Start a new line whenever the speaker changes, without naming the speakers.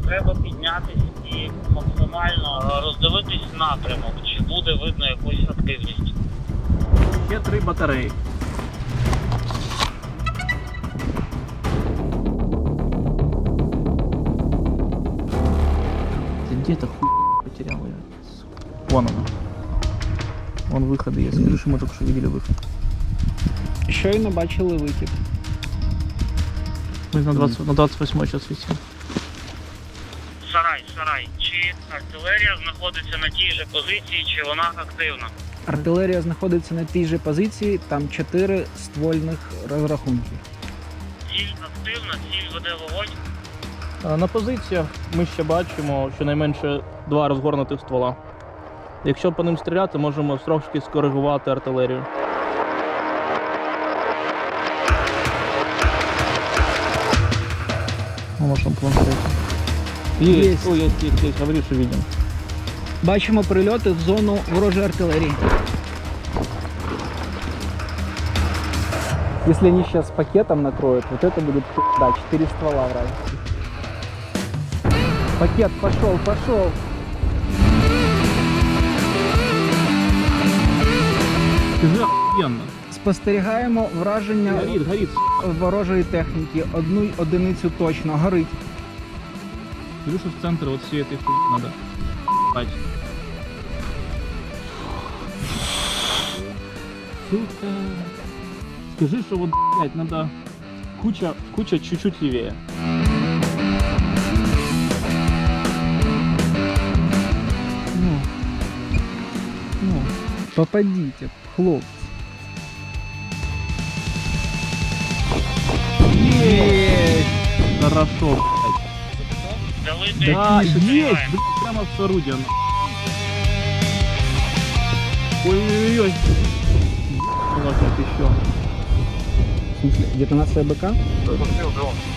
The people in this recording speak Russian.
Треба піднятися і максимально роздивитись напрямок, чи буде видно якусь активність.
Є 3 батареї. Ты где-то хуй потерял я. Вон она. Вон выходы есть. Скажи, что мы только что видели выход.
Щойно бачили вихід.
Мы на 28 сейчас висим.
Сарай. Чи артилерія знаходиться на тій же позиції, чи вона активна?
Артилерія знаходиться на тій же позиції, там 4 ствольних розрахунки.
Ціль активна, ціль веде вогонь.
На позиціях ми ще бачимо щонайменше 2 розгорнутих ствола. Якщо по ним стріляти, можемо трошки скоригувати артилерію. На вашем планшете. Есть. О, есть. Говори, что видим.
Бачимо прильоти в зону ворожої артилерії. Если они сейчас пакетом накроют, вот это будет да, 4 ствола вражеских. Пакет пошел.
Скажи, охуенно.
Спостерігаємо враження
Горит.
ворожої техніки. Одну одиницю точно. Горить.
Скажи, что в центр вот всей этой хуйни надо ебать. Сука. Скажи, что вот, блядь, надо куча чуть-чуть левее.
Ну, попадите, хлопцы.
Есть! Хорошо, блядь.
Дали
Да,
десь,
есть,
стріляємо.
блядь, прямо в орудие. Ой-ой-ой. Ладно, еще.
В смысле, детонация БК?
Постріл дрон.